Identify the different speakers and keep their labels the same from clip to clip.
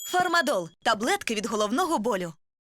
Speaker 1: Фармадол – таблетки від головного болю.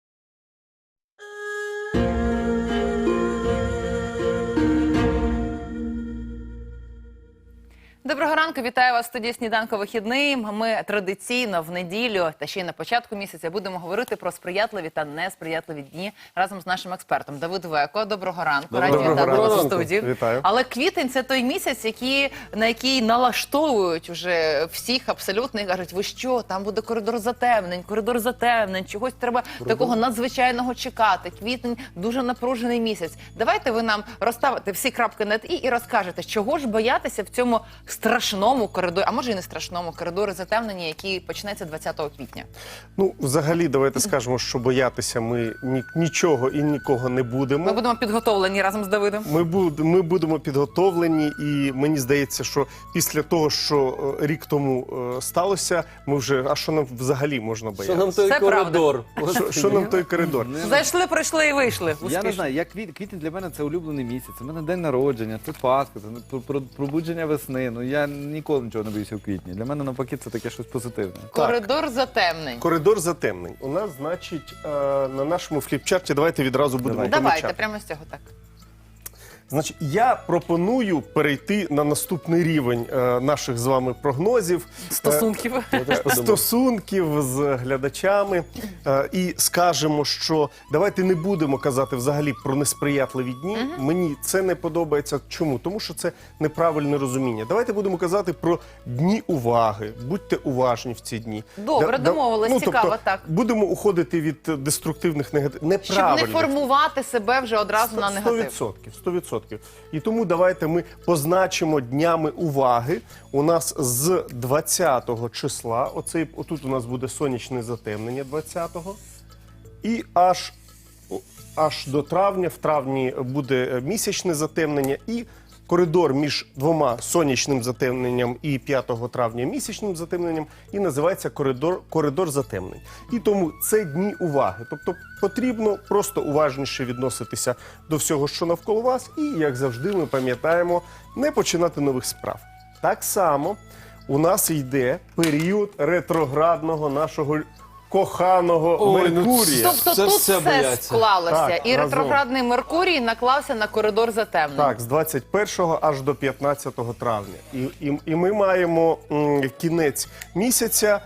Speaker 2: Доброго ранку, вітаю вас в студії «Сніданку вихідний». Ми традиційно в неділю та ще й на початку місяця будемо говорити про сприятливі та несприятливі дні разом з нашим експертом Давид Веко. Доброго ранку, раді вітати вас у студії.
Speaker 3: Вітаю.
Speaker 2: Але квітень – це той місяць, на який налаштовують вже всіх абсолютно і кажуть, ви що, там буде коридор затемнень, чогось треба такого надзвичайного чекати. Квітень – дуже напружений місяць. Давайте ви нам розставите всі крапки над «і» і розкажете, чого ж боятися в цьому страшному коридорі, а може і не страшному коридорі затемнення, який почнеться 20 квітня.
Speaker 3: Ну, взагалі, давайте скажемо, що боятися ми нічого і нікого не будемо.
Speaker 2: Ми будемо підготовлені разом з Давидом.
Speaker 3: Ми будемо підготовлені, і мені здається, що після того, що рік тому сталося, ми вже, а що нам взагалі можна боятися?
Speaker 4: Що нам той
Speaker 2: Це
Speaker 4: коридор?
Speaker 3: Що нам той коридор?
Speaker 2: Зайшли, пройшли і вийшли.
Speaker 4: Я не
Speaker 2: Успішно.
Speaker 4: знаю, квітень для мене це улюблений місяць. У мене день народження, це Пасха, це пробудження весни. Ну я ніколи нічого не боюся у квітні. Для мене навпаки це таке щось позитивне.
Speaker 2: Коридор затемнень.
Speaker 3: Коридор затемнень. У нас, значить, на нашому фліпчарті, давайте відразу будемо
Speaker 2: Давайте,
Speaker 3: помічати.
Speaker 2: прямо з цього так.
Speaker 3: Значить, я пропоную перейти на наступний рівень наших з вами прогнозів.
Speaker 2: Стосунків.
Speaker 3: Стосунків з глядачами. І скажемо, що давайте не будемо казати взагалі про несприятливі дні. Мені це не подобається. Чому? Тому що це неправильне розуміння. Давайте будемо казати про дні уваги. Будьте уважні в ці дні.
Speaker 2: Добре, домовились, цікаво,
Speaker 3: тобто,
Speaker 2: так.
Speaker 3: Будемо уходити від деструктивних негативних,
Speaker 2: Щоб
Speaker 3: неправильних.
Speaker 2: не формувати себе вже одразу на негатив.
Speaker 3: 100%. І тому давайте ми позначимо днями уваги. У нас з 20-го числа, отут у нас буде сонячне затемнення 20-го, і аж до травня, в травні буде місячне затемнення, і коридор між двома сонячним затемненням і 5 травня місячним затемненням і називається коридор затемнень. І тому це дні уваги. Тобто потрібно просто уважніше відноситися до всього, що навколо вас, і, як завжди, ми пам'ятаємо, не починати нових справ. Так само у нас йде період ретроградного нашого коханого Меркурія.
Speaker 2: Тобто тут все склалося.
Speaker 3: Так,
Speaker 2: І
Speaker 3: разом.
Speaker 2: ретроградний Меркурій наклався на коридор затемнень.
Speaker 3: Так, з 21 аж до 15 травня. І ми маємо кінець місяця.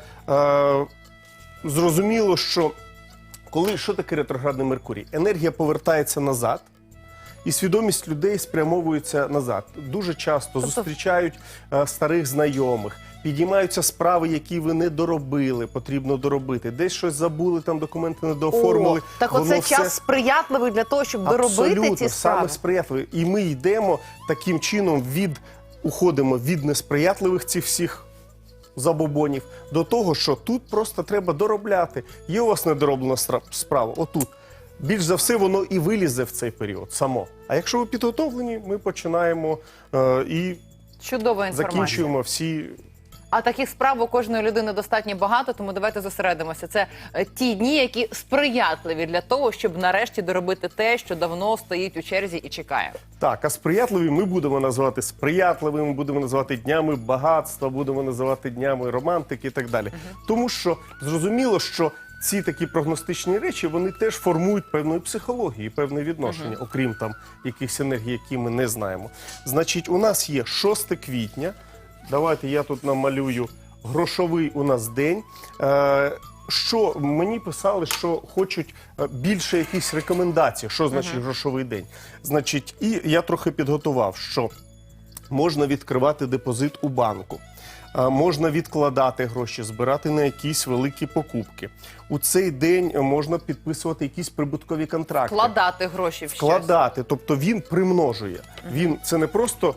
Speaker 3: Зрозуміло, що що таке ретроградний Меркурій? Енергія повертається назад, і свідомість людей спрямовується назад. Дуже часто зустрічають старих знайомих, підіймаються справи, які ви не доробили, потрібно доробити. Десь щось забули, там документи не дооформили.
Speaker 2: Так оце час сприятливий для того, щоб доробити ці справи?
Speaker 3: Саме сприятливий. І ми йдемо таким чином уходимо від несприятливих цих всіх забобонів до того, що тут просто треба доробляти. Є у вас недороблена справа, отут. Більш за все, воно і вилізе в цей період само. А якщо ви підготовлені, ми починаємо і
Speaker 2: Чудова інформація.
Speaker 3: закінчуємо всі.
Speaker 2: А таких справ у кожної людини достатньо багато, тому давайте зосередимося. Це ті дні, які сприятливі для того, щоб нарешті доробити те, що давно стоїть у черзі і чекає.
Speaker 3: Так, а сприятливі ми будемо називати сприятливими, будемо називати днями багатства, будемо називати днями романтики і так далі. Тому що зрозуміло, що ці такі прогностичні речі, вони теж формують певної психології, певне відношення, окрім там якихось енергій, які ми не знаємо. Значить, у нас є 6 квітня. Давайте я тут намалюю грошовий у нас день. Що мені писали, що хочуть більше якісь рекомендацій, що значить грошовий день. Значить, і я трохи підготував, що можна відкривати депозит у банку. Можна відкладати гроші, збирати на якісь великі покупки. У цей день можна підписувати якісь прибуткові контракти.
Speaker 2: Вкладати гроші в щось.
Speaker 3: Вкладати, тобто він примножує. Це не просто...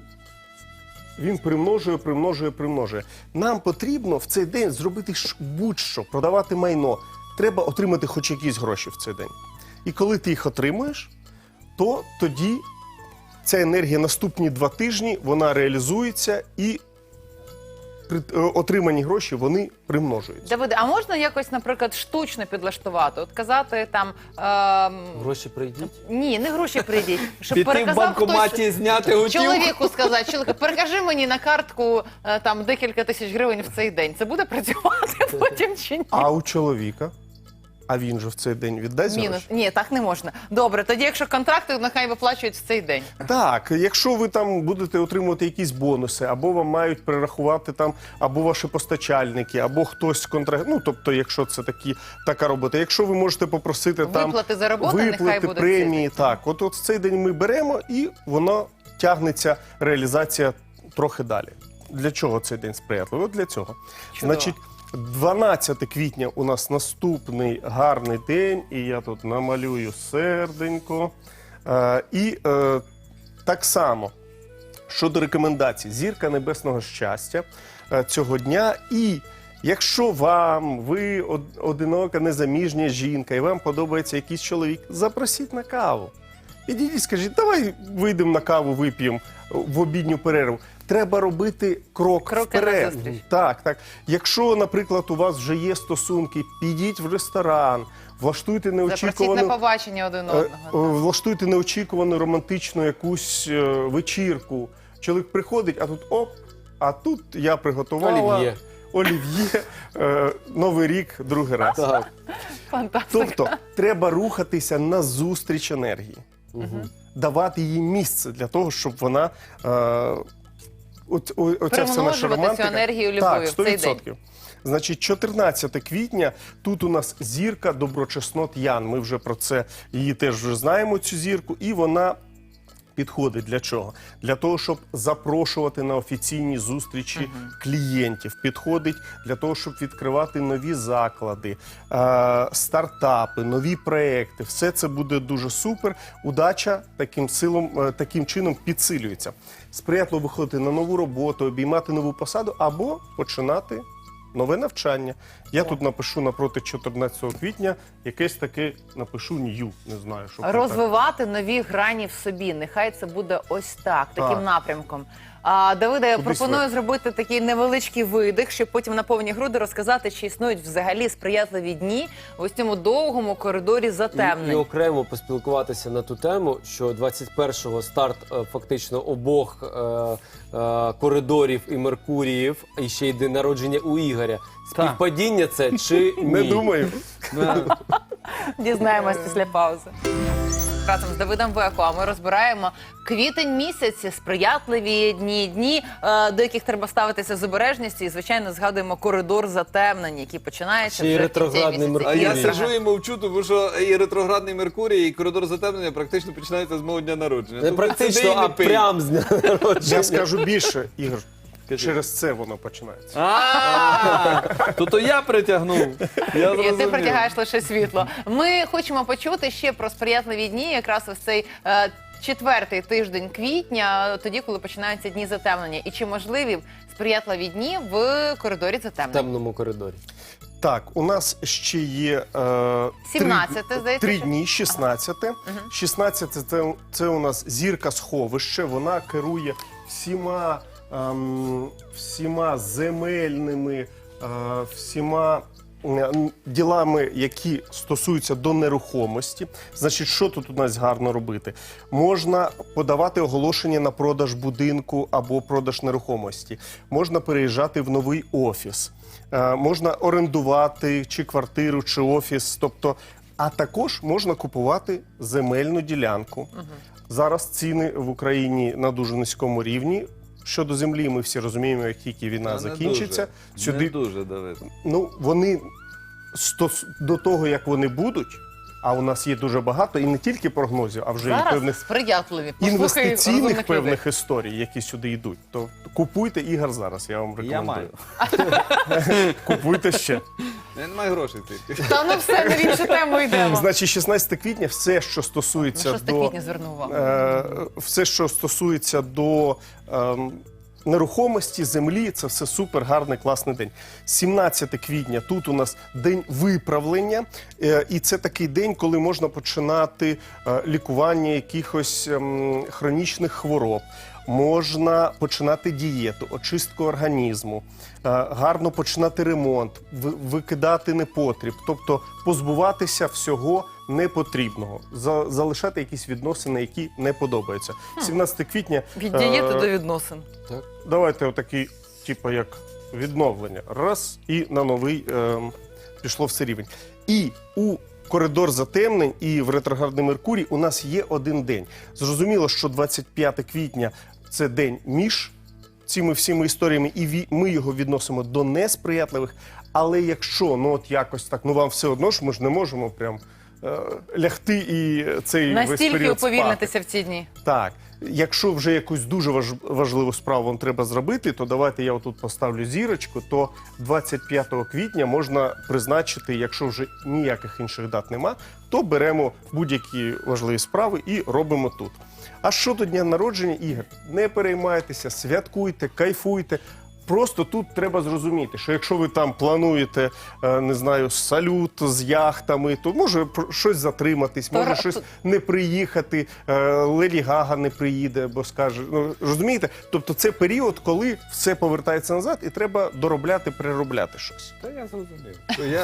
Speaker 3: Він примножує. Нам потрібно в цей день зробити будь-що, продавати майно. Треба отримати хоч якісь гроші в цей день. І коли ти їх отримуєш, то тоді ця енергія наступні 2 тижні, вона реалізується і отримані гроші, вони примножуються.
Speaker 2: Давиде, а можна якось, наприклад, штучно підлаштувати? От казати там...
Speaker 5: Гроші прийдіть.
Speaker 2: Ні, не гроші прийдіть. Щоб
Speaker 4: Піти в
Speaker 2: переказав
Speaker 4: банкоматі,
Speaker 2: хтось...
Speaker 4: зняти готівку.
Speaker 2: Чоловіку сказати, чоловіку, перекажи мені на картку там декілька тисяч гривень в цей день. Це буде працювати потім чи ні?
Speaker 3: А у чоловіка, а він же в цей день віддасть
Speaker 2: Мінус.
Speaker 3: гроші?
Speaker 2: Ні, так не можна. Добре, тоді якщо контракти, нехай виплачують в цей день.
Speaker 3: Так, якщо ви там будете отримувати якісь бонуси, або вам мають перерахувати там, або ваші постачальники, або хтось ну, тобто, якщо це така робота. Якщо ви можете попросити там
Speaker 2: Виплати за роботу, нехай
Speaker 3: виплати,
Speaker 2: буде
Speaker 3: премії,
Speaker 2: цей день.
Speaker 3: так, от в цей день ми беремо і воно тягнеться, реалізація трохи далі. Для чого цей день сприятливий? От для цього.
Speaker 2: Чудово.
Speaker 3: Значить, 12 квітня у нас наступний гарний день, і я тут намалюю серденько. Так само, щодо рекомендацій, зірка небесного щастя цього дня. І якщо ви одинока, незаміжня жінка, і вам подобається якийсь чоловік, запросіть на каву. Ідіть і скажіть, давай вийдемо на каву, вип'ємо в обідню перерву. Треба робити крок вперед.
Speaker 2: назустріч.
Speaker 3: Так. Якщо, наприклад, у вас вже є стосунки, підіть в ресторан, влаштуйте
Speaker 2: Запросіть на
Speaker 3: неочікувану...
Speaker 2: побачення один одного.
Speaker 3: Влаштуйте неочікувану романтичну якусь вечірку. Чоловік приходить, а тут я приготувала
Speaker 5: Олів'є.
Speaker 3: олів'є, Новий рік, другий раз.
Speaker 5: Так.
Speaker 2: Фантастика.
Speaker 3: Тобто треба рухатися на зустріч енергії, давати їй місце для того, щоб вона оця вся наша
Speaker 2: Примножувати
Speaker 3: романтика.
Speaker 2: цю енергію любові
Speaker 3: Так,
Speaker 2: в цей
Speaker 3: 100%. Значить, 14 квітня, тут у нас зірка доброчеснот Ян. Ми вже про це, її теж вже знаємо, цю зірку, і вона підходить для чого? Для того, щоб запрошувати на офіційні зустрічі клієнтів. Підходить для того, щоб відкривати нові заклади, стартапи, нові проекти. Все це буде дуже супер. Удача таким чином підсилюється. Сприятливо виходити на нову роботу, обіймати нову посаду або починати нове навчання. Я тут напишу напроти 14 квітня, якесь таке напишу нью, не знаю, що
Speaker 2: Розвивати нові грані в собі. Нехай це буде ось так, таким
Speaker 3: Так.
Speaker 2: напрямком. Давиде, я
Speaker 3: Кудись
Speaker 2: пропоную
Speaker 3: вверх.
Speaker 2: зробити такий невеличкий видих, щоб потім на повні груди розказати, чи існують взагалі сприятливі дні в ось цьому довгому коридорі
Speaker 5: І
Speaker 2: затемнень.
Speaker 5: окремо поспілкуватися на ту тему, що 21-го старт фактично обох коридорів і Меркуріїв, і ще й день народження у Ігоря. Співпадіння це чи ні?
Speaker 3: Не думаю.
Speaker 2: Дізнаємось після паузи. Разом з Давидом Веко, а ми розбираємо квітень місяці, сприятливі дні, до яких треба ставитися з обережністю. І, звичайно, згадуємо коридор затемнень, який починається
Speaker 5: Ще й
Speaker 2: вже в кінці
Speaker 5: ретроградний
Speaker 2: місяця.
Speaker 4: А
Speaker 5: Меркурій.
Speaker 4: я сиджу і мовчу, тому що і ретроградний Меркурій, і коридор затемнення практично починається з мого дня народження.
Speaker 5: Не
Speaker 4: Тому
Speaker 5: практично,
Speaker 4: сиди і не
Speaker 5: а
Speaker 4: пий.
Speaker 5: прям з дня народження.
Speaker 3: Я скажу більше, Ігор, через це воно починається.
Speaker 4: То я притягнув. Я
Speaker 2: І ти
Speaker 4: зрозумів.
Speaker 2: притягаєш лише світло. Ми хочемо почути ще про сприятливі дні, якраз ось цей четвертий тиждень квітня, тоді, коли починаються дні затемнення. І чи можливі сприятливі дні в коридорі
Speaker 5: В
Speaker 2: затемнень?
Speaker 5: темному коридорі.
Speaker 3: Так, у нас ще є
Speaker 2: 17-те, здається,
Speaker 3: три
Speaker 2: що?
Speaker 3: дні, 16-те. 16-те це у нас зірка сховище, вона керує всіма земельними, всіма ділами, які стосуються до нерухомості. Значить, що тут у нас гарно робити? Можна подавати оголошення на продаж будинку або продаж нерухомості. Можна переїжджати в новий офіс. Можна орендувати чи квартиру, чи офіс. Тобто, а також можна купувати земельну ділянку. Зараз ціни в Україні на дуже низькому рівні. Щодо землі, ми всі розуміємо, як тільки війна закінчиться.
Speaker 4: Не дуже, Давид.
Speaker 3: Ну, вони до того, як вони будуть, а у нас є дуже багато, і не тільки прогнозів, а вже і
Speaker 2: Зараз
Speaker 3: певних
Speaker 2: сприятливі. Послухай
Speaker 3: інвестиційних
Speaker 2: розумних людей.
Speaker 3: певних історій, які сюди йдуть. То купуйте Ігор зараз, я вам рекомендую. Купуйте ще.
Speaker 4: Я не маю грошей тільки.
Speaker 2: Та ну все, на іншу тему йдемо.
Speaker 3: Значить, 16 квітня все, що стосується
Speaker 2: 6 квітня звернув увагу.
Speaker 3: все, що стосується до нерухомості, землі, це все супер гарний, класний день. 17 квітня тут у нас день виправлення, і це такий день, коли можна починати лікування якихось хронічних хвороб. можна починати дієту, очистку організму, гарно починати ремонт, викидати непотріб, тобто позбуватися всього непотрібного, залишати якісь відносини, які не подобаються. 17 квітня...
Speaker 2: Від дієти до відносин.
Speaker 3: Давайте отакий, типу, як відновлення. Раз, і на новий пішло все рівень. І у коридор затемнень і в ретроградний Меркурій у нас є один день. Зрозуміло, що 25 квітня – це день між цими всіми історіями, і ми його відносимо до несприятливих. Але якщо, ну от якось так, ну вам все одно ж, ми ж не можемо прям лягти і цей весь
Speaker 2: Настільки
Speaker 3: період спати.
Speaker 2: уповільнитися в ці дні.
Speaker 3: Так. Якщо вже якусь дуже важливу справу вам треба зробити, то давайте я отут поставлю зірочку, то 25 квітня можна призначити, якщо вже ніяких інших дат нема, то беремо будь-які важливі справи і робимо тут. А щодо дня народження, Ігор, не переймайтеся, святкуйте, кайфуйте. Просто тут треба зрозуміти, що якщо ви там плануєте, не знаю, салют з яхтами, то може щось затриматись, може щось не приїхати, Леді Гага не приїде, бо скаже, ну, розумієте? Тобто це період, коли все повертається назад і треба доробляти, переробляти щось.
Speaker 4: Та я зрозумів.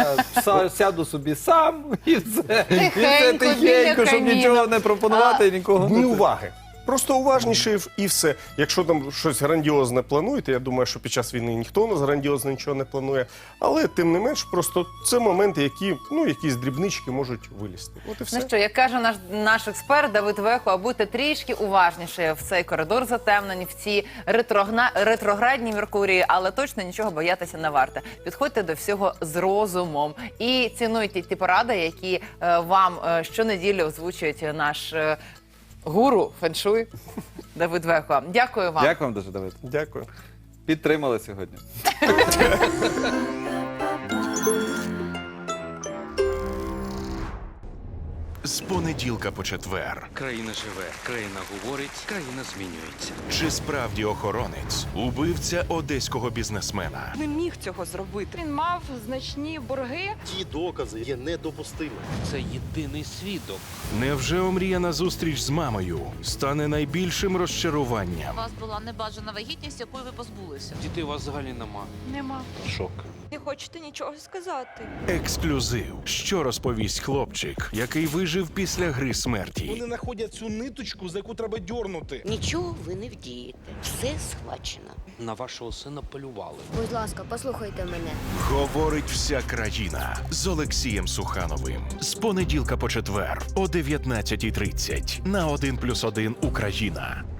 Speaker 4: Я сяду собі сам і все.
Speaker 2: Тихенько, біля
Speaker 4: Тихенько, щоб
Speaker 2: каміна.
Speaker 4: нічого не пропонувати і нікого
Speaker 3: Дні
Speaker 4: не...
Speaker 3: уваги. Просто уважніше і все. Якщо там щось грандіозне плануєте, я думаю, що під час війни ніхто у нас грандіозно нічого не планує, але тим не менш, просто це моменти, які, ну, якісь дрібнички можуть вилізти. От і все.
Speaker 2: Ну що, як каже наш експерт Давид Вехо, будьте трішки уважніше в цей коридор затемнень, в ці ретроградні Меркурії, але точно нічого боятися не варто. Підходьте до всього з розумом і цінуйте ті поради, які вам щонеділі озвучують наш гуру феншуй Давид Вехо. Дякую вам.
Speaker 4: Дякую вам дуже, Давид.
Speaker 3: Дякую.
Speaker 4: Підтримали сьогодні.
Speaker 6: З понеділка по четвер.
Speaker 7: Країна живе, країна говорить, країна змінюється.
Speaker 6: Чи справді охоронець убивця одеського бізнесмена?
Speaker 8: Не міг цього зробити. Він мав значні борги.
Speaker 9: Ті докази є недопустимими.
Speaker 7: Це єдиний свідок.
Speaker 6: Невже омріяна зустріч з мамою стане найбільшим розчаруванням?
Speaker 10: У вас була небажана вагітність, якої ви позбулися.
Speaker 7: Дітей у вас взагалі нема.
Speaker 8: Нема.
Speaker 6: Шок.
Speaker 8: Не хочете нічого сказати.
Speaker 6: Ексклюзив. Що розповість хлопчик, який вижив після гри смерті?
Speaker 9: Вони знаходять цю ниточку, за яку треба дьорнути.
Speaker 10: Нічого ви не вдієте. Все схвачено.
Speaker 7: На вашого сина полювали.
Speaker 11: Будь ласка, послухайте мене.
Speaker 6: Говорить вся країна з Олексієм Сухановим. З понеділка по четвер о 19:30 на 1+1 Україна.